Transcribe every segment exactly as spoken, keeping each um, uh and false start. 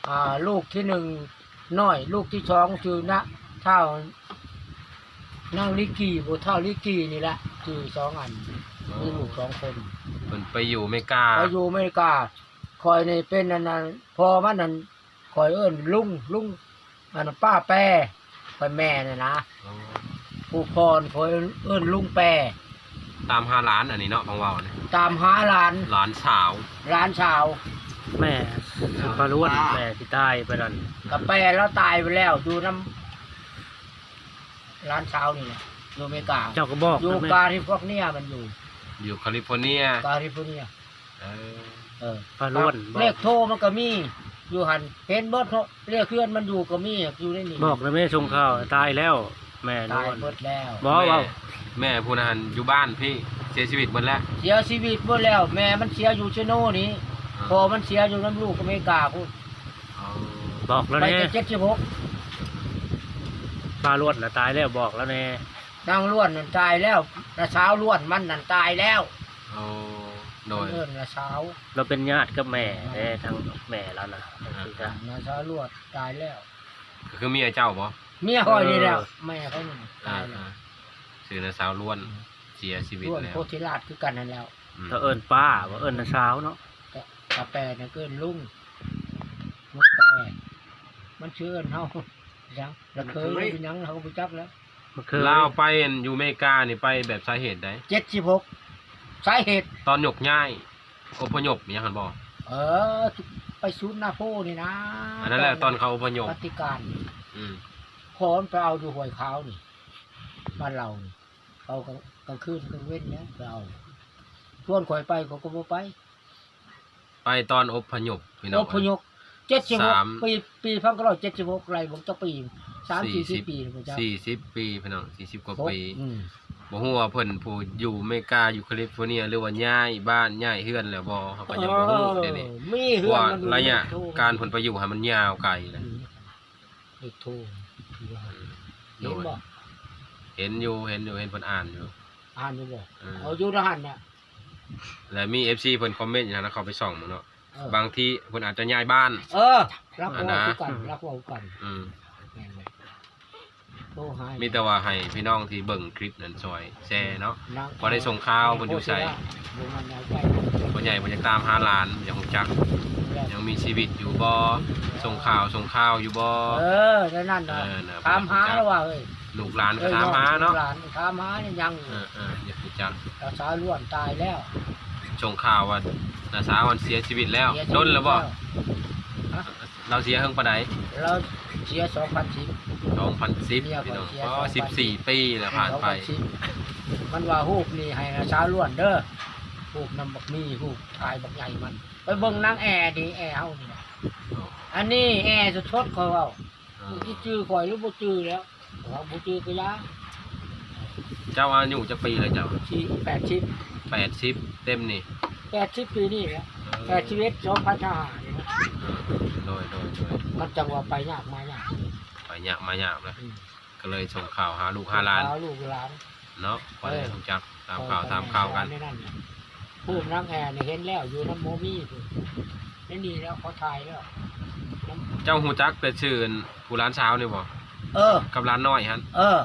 อ่าลูกที่หนึ่งน้อยลูกที่สองชื่อนะเท่านั่งลิกีบ่เท่าลิกีนี่แหละชื่อสองอันมีลูกสองคนเพิ่นไปอยู่อเมริกาไปอยู่อเมริกาคอยนี่เป็นนั่นน่ะพอมันนั่นคอยเอิ้นลุงลุงอันนั้นป้าแปรคอยแม่น่ะนะผู้พรคอยเอิ้นลุงแปรตามหาหลานอันนี้เนาะบางเว้าเนี่ยตามหาหลานหลานสาวหลานสาวแม่สุภาล้วนแม่ที่ใต้ไปนั่นกับแปรแล้วตายไปแล้วอยู่น้ำหลานสาวนี่แหละอยู่อเมริกาเจ้าก็บอกอยู่นะแม่กาลิฟอร์เนียมันอยู่อยู่แคลิฟอร์เนียกาลิฟอร์เนียเออเออพาล้วนบอเลกขโทรมันก็มีอยู่หันเห็นเบิดเนาะเลขเคลื่อนมันอยู่ก็มีอยู่ในนี่บอกนะแม่ชงข้าวตายแล้ว แม่ล้ตายวนเบิดแล้วบอกว่าแม่ผู้นั้นอยู่บ้านพี่เสียชีวิตหมดแล้วเสียชีวิตหมดแล้ว แม่มันเสียอยู่เชโน่นี่พอมันเสียอยู่น้ำลูกอเมริกาพูดเอาบอกแล้วไปแน่แต่เจ็ดสิบหกพาล้วนน่ะตายแล้วบอกแล้วแน่นางล้วนนั่นตายแล้วนาเช้าล้วนมันนั่นตายแล้วเอาโดยเอิ้นนาเช้าเราเป็นญาติกับแม่แน่ทางแม่แล้วนะที่จะนาเช้าล้วนตายแล้วก็คือเมียเจ้าบ่เมียคอยนี่แล้วแม่เขานี่ตายแล้วสื่อนะสาวล้วนเสียชีวิตล้วนแล้วโพธิราชคือกันนั่นแล้วอืมถ้าเอิ้นป้าว่าเอิ้นน้าเช้าเนาะแต่กาแฟเนี่ยเกินลุงมุกแปรมันเชื่อเฮายังแล้วเคยเป็นหยังเขาก็ไปจับแล้วมันคือลาวไปอยู่อเมริกานี่ไปแบบสาเหตุใดเจ็ดสิบหกสาเหตุตอนหยกง่ายอพยพมีหยังหันบ่เออ ไปซูนนาโพนี่นะอันนั้นแหละตอนเขาอพยพปฏิการอืมขอมไปเอาดูหวยขาวนี่บ้านเรานี่เขาก็กลางคืนกลางเว้นเนี่ยไปเอาชวนข่อยไปเขาก็บ่ไปไปตอนอพยพพี่น้อองพยพเจ็ดสิบหกสามปีปีพันเก้าร้อยเจ็ดสิบหกไรผมจะปีสามสี่สิบปีผมจะสี่สิบปีพี่น้องสี่สิบกว่าปีอืมบ่ฮู้ว่าเพิ่นผู้อยู่อเมริกาอยู่แคลิฟอร์เนียหรือว่าย้ายบ้านย้ายเฮือนแล้วบ่เขาก็ยังบ่ฮู้เด้นี่มีเพเฮืราะอนว่ามันอยู่ระยะในโทการผลประโยชน์ให้มันยาวไกลนะเด็กโทรเห็โดนยบ่เห็นอยู่เห็นอยู่เห็นเพิ่นอ่านอยู่อ่านอยู่บ่เออเอาอยู่ทหารเนี่ยแล้วมี เอฟ ซี เพิ่นคอมเมนต์อยู่นะเขาไปส่องมึงเนาะเออบางทีเพิ่นอาจจะย้ายบ้านเออรักอันเว่านะคือกันรักเว่ากันอืมแม่นบ่โทรหามีแต่ว่าให้พี่น้องที่เบิ่งคลิปนั้นช่วยแชร์เนาะนางพอได้ส่งข่าวเพิ่นอยู่ไสบ่มันเอาไปบ่ใหญ่บ่อยากตามหาหลานอยากรู้จักแล้วยังมีชีวิตอยู่บ่ส่งข่าวส่งข่าวอยู่บ่เออแล้วนั่นน่ะเออนะถามหาแล้วว่าเอ้ยลูกหลานก็ถามหาเนาะหลานถามหาเนี่ยยังเออเอออยากรู้จักรักษาล้วนตายแล้วส่งข่าวว่าน้าสาวมันเสียชีวิตแล้วโดนแล้วบ่ฮะเราเสียเฮิงปานใดเราเสียสองพันสิบสองพันสิบพี่น้องอ๋อสิบสี่ปีแล้วผ่านไปมันว่าฮูกนี่ให้นะเช้าล้วนเด้อฮูกนำบักมีฮูกทายบักใหญ่มัน ไปเบิ่งนางแอร์ดิแอร์เฮานี่นะอันนี้แอร์สดๆเขาเว้าสิจื้อข่อยหรือบ่จื้อแล้วว่าบ่จื้อก็ยาเจ้าอายุจักปีเลยเจ้าสี่แปดสิบแปดสิบเต็มนี่แปดสิบปีนี่แหละแปดชีวิตสองพันห้านี่นะเออโดยโดยโดยมันจังว่าไปยากมายากไปยากมายากเลยอืมก็เลยส่งข่าวหาลูกหาหลานเอาลูกหลานเนาะพอได้รู้จักตามข่าวตามข่าวกันผู้นางแอร์นี่เห็นแล้วอยู่น้ำโมมี่พุ่นนี่นี่แล้วเขาถ่ายแล้วน้ำเจ้าหูจักเป็นชื่อผู้ร้านเช้านี่บ่เออกับร้านน้อยฮันเออน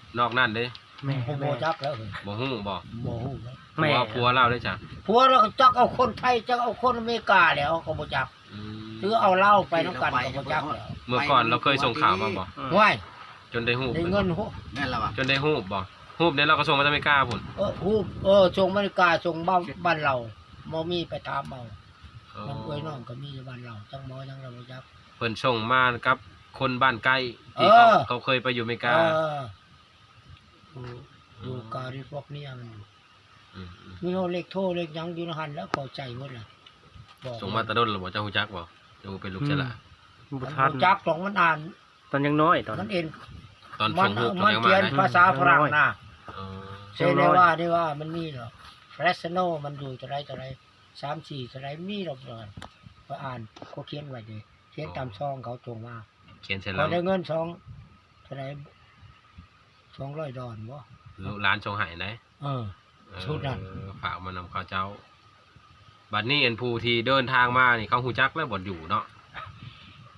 อกนั่นเด้แม่ผมโมแม่จักแล้วเฮ้ยบ่ฮู้บ่โมหูแล้วผัวผัวเล่าได้จ้ะผัวเราก็จักเอาคนไทยจักเอาคนอเมริกาแล้วก็บ่จักอืมหรือเอาเหล้าไปน้ำกันก็บ่จักแล้วเมื่อก่อนเราเคยส่งข่าวมาบ่ห้วยจนได้ฮู้ได้เงินหัวนั่นแหละวะจนได้ฮู้บ่ฮู้เนี่ยเราก็ส่งมาจากอเมริกาพุ่นเออฮูบเออส่งอเมริกาส่งบ้านบ้านเราโมมี่ไปตามเอาเออน้ำกล้วยน้องก็มีอยู่บ้านเราจังหมอจังเราบ่จักเพิ่นส่งมากับคนบ้านใกล้ที่เขาเออเขาเคยไปอยู่อเมริเอกาออยู่อยู่กาลิฟอร์เนียมันอยู่อืมอืมมีโทรเลขโทรเลขหยังอยู่ในหันแล้วเข้าใจหมดล่ะบอกส่งมาแตะดนหรือบ่เจ้าฮู้จักบ่ดูเป็นลูกเสยหละบุมันทันบ่จักของมันอ่านตอนยังน้อยตอนมันเอ็นตอนมัส่งรูปตอนมันยังเขีมายนนะภาษาฝรั่งนะเออเช่นได้ว่าได้ว่ามันมีหรอกเฟรชโนมันอยู่เท่าไรเท่าไรสามสี่เท่าไรมีหรอกเลยก็อ่านเขาเขียนไว้ดิเขียนตามซองเขาตรงมาเขียนเสร็จพแล้อวได้เงินสองเท่าไรสองร้อยดอลลาร์ลูกร้านส่งให้ไหนเออเออชุดนั้นฝากมานำข้าวเจ้า บัดนี้เอ็นผู้ที่เดินทางมานี่เขาฮู้จักแล้วบ่อยู่เนาะ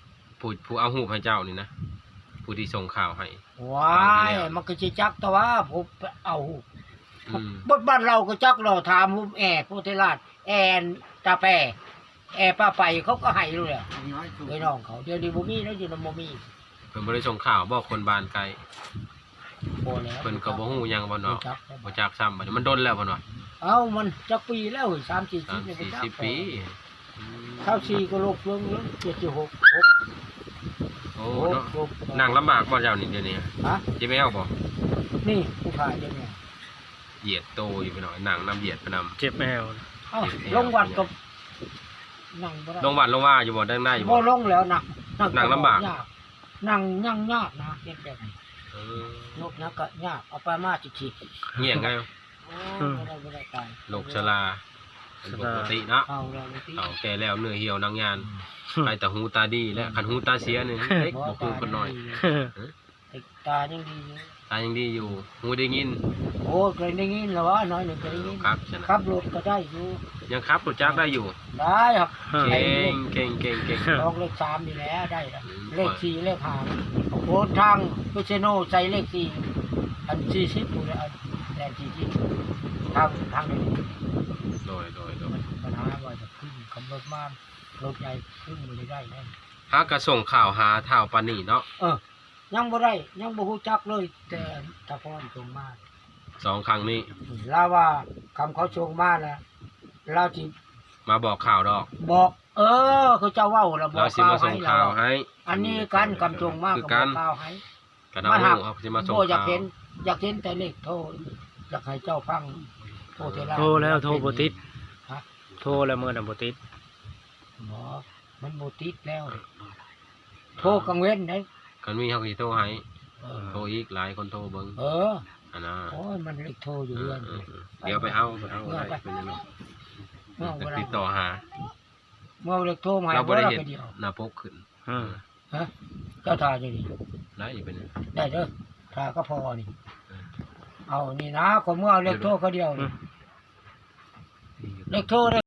ผู้ผู้เอารูปให้เจ้านี่นะผู้ที่ส่งข่าวให้ว้ายมันก็สิจักแต่ว่าผมเอาอืมบทบ้านเราก็จักเราถามผมแอร์พุทธราชแอนตาแปแอร์ป้าไปเขาก็ให้เลยอะไอ้น้องเขาเดี๋ยวนี้บ่มีแล้วอยู่นำบ่มีเพิ่นบ่ได้ส่งข่าวบอกคนบ้านไกลบ่แล้วเพิ่นก็บ่ฮู้หยังบ่เนาะจักบ่จักซ้ำบัดนี้มันดนแล้วบ่เนาะเอ้ามันจักปีแล้วสามสี่สามสิบสี่จักสิบปีอืมเท่าสี่ก็โลกเฟืองแล้วเจ็ดสิบหกหกโอ้หกเนาะหกนั่งลำบากบ่เจ้านี่เดี๋ยวนี้ฮะสิแมวบ่นี่ผู้ขายเดี๋ยวนี้เหยียดโตอยู่ไปหน่อยนั่งน้ำเหยียดไปนำเจ็บแมวเอ้าลงวัดก็นั่งบ่ได้ลงวัดลงว่าอยู่บ่ได้ได้อยู่บ่บ่ลงแล้วนะนั่งลำบากยนั่งยั่งยากนะเด็กแบบนี้เออยกนะก็ยากเอาไปมาจิจิเงี้ยงไงโอ้บ่ได้บ่ได้ตายโรคชราเป็นปกติเนาะเอาแล้วเลยที่เอาแก่แล้วเนื้อเหี่ยวนางงานไปแต่หูตาดีและคันหูตาเสียนี่เล็กบ่คือคนน้อยติดตายังดีอยู่ตายังดีอยู่หูได้ยินโอ้เคยได้ยินแล้วว่าน้อยหนึ่งเคยได้ยินครับฉะนั้นขับรถก็ได้อยู่ยังครับรู้จักได้อยู่ได้ครับเก่งเก่งเก่งเก่งลองเลขสามนี่แหละได้แล้วอืมเลขสี่เลขห้าโอ้ทางพิเชโนใส่เลขสี่อันสี่สิบอยู่แล้วอันแดนสี่สิบทางทางนี้โดยโดยโดยปัญหาว่าจะขึ้นขับรถมากรถใหญ่ขึ้นไม่ได้แน่หากระส่งข่าวหาเท่าปานนี่เนาะเออยังบ่ได้ยังบ่ฮู้จักเลย แต่ตะพรส่งมาสองครั้งนี้ลาว่าคำเขาส่งมาแล้วเราสิมาบอกข่าวดอกบอก เออเขาเจ้าเว้าแล้วบอเรากสิมาส่งข่าวให้อันนี้กันคำส่งมาคืก็อบ กัอน กข่าวให้กันเอาลูกเขาสิมาส่งโอ้อยากข่าวเห็นอยากเห็นแต่เลขโทรอยากให้เจ้าฟังโทรเทราโทรแล้วโทรบ่ติดฮะโทรแล้วมื้อนั้นบ่ติดบ่มันบ่ติดแล้ว โทรกังเว้นได้กันมีเขาสิโทรให้เออโทรอีกหลายคนโทรเบิ่งเอออันน่ะโอ้ยมันเลขโทรอยู่เรือนเออเดี๋ยวไปเอาไปเอาเมื่ออะไรไปเป็นยังไงเมื่อเวลาติดต่อหาเมื่อเลขโทรมาให้เราบ่ได้เห็นบ่เดียวหน้าปกขึ้นอืมฮะเจ้าทาอยู่นี่ได้เป็นยังไงได้เด้อทาก็พอนี่ เอานี่นะคนเมื่อเอาเลขโทรเขาเดียวนี่เลขโทร